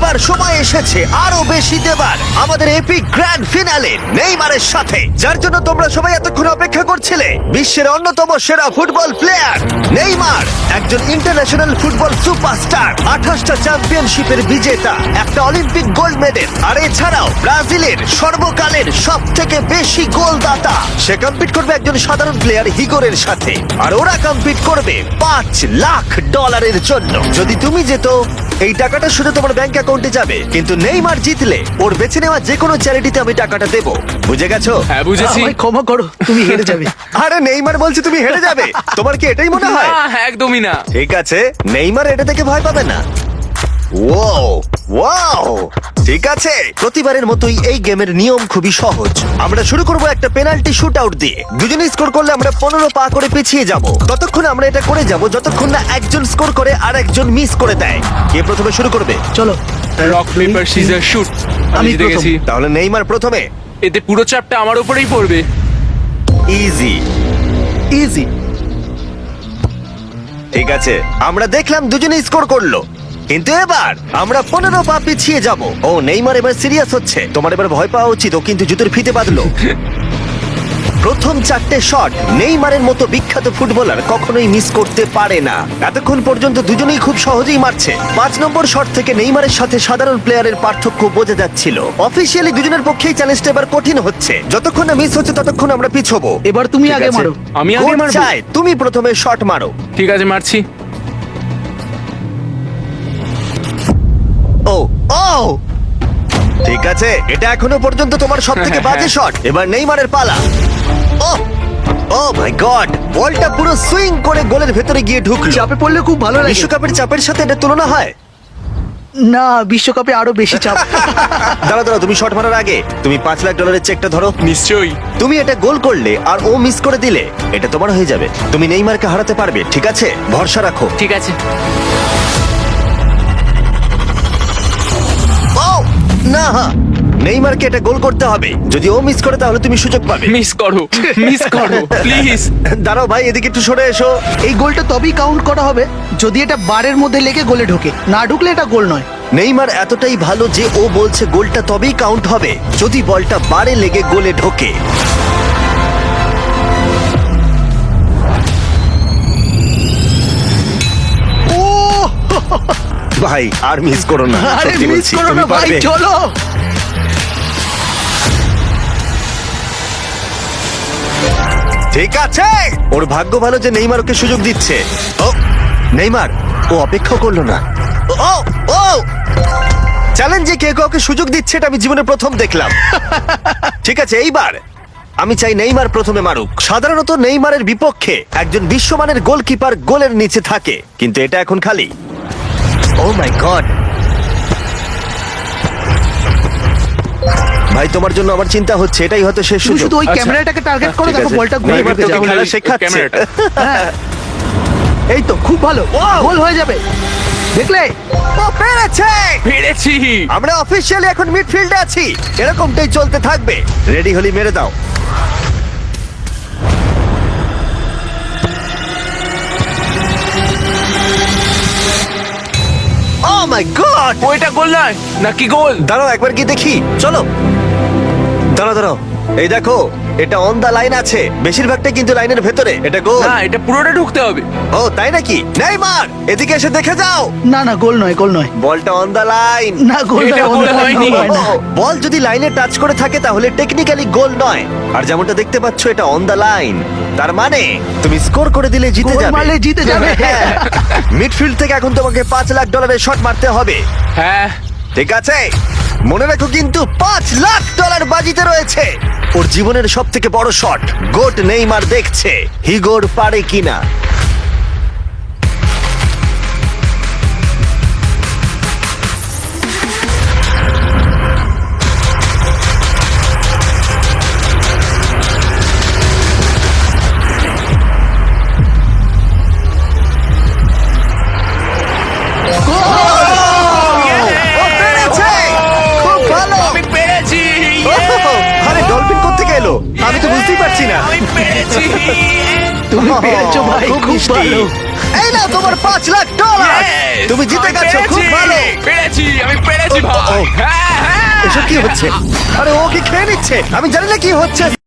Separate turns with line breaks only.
এবার সময় এসেছে আরো বেশি দেবার আমাদের এপিক গ্র্যান্ড ফিনালে নেইমারের সাথে, যার জন্য তোমরা সবাই এতক্ষণ অপেক্ষা করছিলে। বিশ্বের অন্যতম সেরা ফুটবল প্লেয়ার নেইমার, একজন ইন্টারন্যাশনাল ফুটবল সুপারস্টার, 28টা চ্যাম্পিয়নশিপের বিজেতা, একটা অলিম্পিক গোল্ড মেডেল, আর এছাড়াও ব্রাজিলের সর্বকালের সব থেকে বেশি গোলদাতা। সে কম্পিট করবে একজন সাধারণ প্লেয়ার হিগোরের সাথে, আর ওরা কম্পিট করবে $5 লাখ জন্য। যদি তুমি যেত, এই টাকাটা শুধু তোমার ব্যাংক অ্যাকাউন্টে যাবে, কিন্তু নেইমার জিতলে ওর বেছে নেওয়া যে কোনো চ্যারিটিতে আমি টাকাটা দেবো। বুঝে গেছো?
হ্যাঁ বুঝেছি।
আমায় ক্ষমা করো, তুমি হেরে যাবে।
আরে নেইমার বলছে তুমি হেরে যাবে, তোমার কি এটাই মনে হয়?
না, একদমই না।
ঠিক আছে, নেইমার এটা থেকে ভয় পাবে না। ওয়াও ওয়াও, ঠিক আছে। প্রতিবারের মতোই এই গেমের নিয়ম খুবই সহজ। আমরা শুরু করব একটা পেনাল্টি শুট আউট দিয়ে। দুজনে স্কোর করলে আমরা 15 পা করে পিছিয়ে যাব। ততক্ষণ আমরা এটা করে যাব যতক্ষণ না একজন স্কোর করে আর একজন মিস করে দেয়। কে প্রথমে শুরু করবে?
চলো।
Rock paper scissor shoot. আমি
আমি
জিতে
প্রথম।
গেছি।
তাহলে নেইমার প্রথমে।
এতে পুরো চাপটা আমার উপরেই পড়বে।
ইজি।
ইজি।
ঠিক আছে, আমরা দেখলাম দুজনে স্কোর করলো, কিন্তু এবার আমরা 15 পা পিছিয়ে যাব। ও নেইমার এবার সিরিয়াস হচ্ছে। তোমার এবার ভয় পাওয়া উচিত, ও কিন্তু জুতোর ফিতে বাঁধলো। প্রথম 4টে শট নেইমারের মতো বিখ্যাত ফুটবলার কখনোই মিস করতে পারে না। এতক্ষণ পর্যন্ত দুজনেই খুব সহজেই মারছে। 5 নম্বর শট থেকে নেইমারের সাথে সাধারণ প্লেয়ারের পার্থক্য বোঝা যাচ্ছিল। অফিসিয়ালি দুজনের পক্ষেই চ্যালেঞ্জটা এবার কঠিন হচ্ছে। যতক্ষণ না মিস হচ্ছে ততক্ষণ আমরা পিছবো।
এবার তুমি
ঠিক
আগে
আছে?
মারো।
আমি আগে
কোচ
মারবো?
চায় তুমি প্রথমে শট মারো।
ঠিক আছে, মারছি।
ও ও, ঠিক আছে, এটা এখনো পর্যন্ত তোমার সবথেকে বাজে শট। এবার নেইমারের পালা। ও ও মাই গড, বলটা পুরো সুইং করে গোলের ভেতরে গিয়ে ঢুকলো।
চাপে পড়লে খুব ভালো লাগে।
বিশ্বকাপের চাপের সাথে এটা তুলনা হয়?
না, বিশ্বকাপে আরো বেশি চাপ।
দাঁড়াও দাঁড়াও, তুমি শট মারার আগে তুমি $5 লাখ চেকটা ধরো।
নিশ্চয়ই।
তুমি এটা গোল করলে আর ও মিস করে দিলে এটা তোমার হয়ে যাবে। তুমি নেইমারকে হারাতে পারবে, ঠিক আছে? ভরসা রাখো।
ঠিক আছে।
ও না, নেইমারকে এটা গোল করতে হবে। যদি ও মিস করে তাহলে তুমি সুযোগ পাবে।
মিস করো, মিস করো প্লিজ।
দাঁড়াও ভাই, এদিকে একটু সরে এসো।
এই গোলটা তবেই কাউন্ট করা হবে যদি এটা বারের মধ্যে লেগে গোলে ঢোকে। না ঢুকলে এটা গোল নয়।
নেইমার এতটাই ভালো যে ও বলছে গোলটা তবেই কাউন্ট হবে যদি বলটা বারে লেগে গোলে ঢোকে। ও ভাই, আর মিস করো না,
আরে
সত্যি
মিস
বলছি,
করো
তুমি
না ভাই,
পারবে।
চলো।
ঠিক আছে, ওর ভাগ্য ভালো যে নেইমার ওকে সুযোগ দিচ্ছে। ও নেইমার, ও অপেক্ষা করলো না। ও ও, চ্যালেঞ্জে কে কাউকে সুযোগ দিচ্ছে এটা আমি জীবনে প্রথম দেখলাম। ঠিক আছে, এইবার আমি চাই নেইমার প্রথমে মারুক। সাধারণত নেইমারের বিপক্ষে একজন বিশ্বমানের গোলকিপার গোলের নিচে থাকে, কিন্তু এটা এখন খালি। ও মাই গড ভাই, তোমার জন্য আমার চিন্তা হচ্ছে। এটাই হয়তো শেষ
তুমি
সুযোগ।
শুধু ওই
আচ্ছা,
ক্যামেরাটাকে টার্গেট করো,
ঠিক
দেখো
আছে।
বলটা ঘুরে
নেইমার
ঢুকে
তোকে
যাবে।
খেলা শেখাচ্ছে।
ক্যামেরাটা।
হ্যাঁ। এই তো খুব ভালো, গোল হয়ে যাবে। দেখলে?
ও পেরেছে!
পেরেছি।
আমরা অফিসিয়ালি এখন মিডফিল্ডে আছি। এরকমটাই চলতে থাকবে। রেডি হলি মেরে দাও। Oh my God!
ওইটা গোল নয় নাকি গোল?
দাঁড়াও একবার কি দেখি, চলো। দাঁড়াও দাঁড়াও, এই দেখো, এটা অন দা লাইন আছে। বেশিরভাগটাই কিন্তু লাইনের ভেতরে। এটা গোল।
না, এটা পুরোটা ঢুকতে হবে।
ও তাই নাকি? নেইমার, এদিকে এসে দেখে যাও।
না না, গোল নয়, গোল নয়।
বলটা অন দা লাইন।
না, গোল
এটা
নয়,
গোল
গোল
হয়নি।
হয় না।
বল যদি লাইনে টাচ করে থাকে তাহলে টেকনিক্যালি গোল নয়। আর যেমনটা দেখতে পাচ্ছ এটা অন দা লাইন, তার মানে তুমি স্কোর করে দিলে জিতে
গোল
যাবে।
মারলে জিতে যাবে।
মিডফিল্ড থেকে এখন তোমাকে $5 লাখ শট মারতে হবে।
হ্যাঁ।
ঠিক আছে, মনে রাখো কিন্তু $5 লাখ বাজিতে রয়েছে। ওর জীবনের সব থেকে বড় শট। গোট নেইমার দেখছে হিগোর পারে কিনা। ও পেরেছে! খুব ভালো!
আমি পেরেছি।
আরে ডলফিন কোত্থেকে এলো? আমি তো বুঝতেই পারছি না।
আমি পেরেছি।
তুমি পেরেছো ভাই, খুব
মিষ্টি।
ভালো।
এই নাও তোমার $5 লাখ।
Yes!
তুমি জিতে
আমি
গেছো, খুব
পেরেছি।
ভালো।
পেরেছি, আমি পেরেছি। পেরেছি
ও, ও,
ভাই
ও।
হ্যাঁ হ্যাঁ
এসব কি হচ্ছে? আরে ও কি খেয়ে নিচ্ছে? আমি জানি না কি হচ্ছে।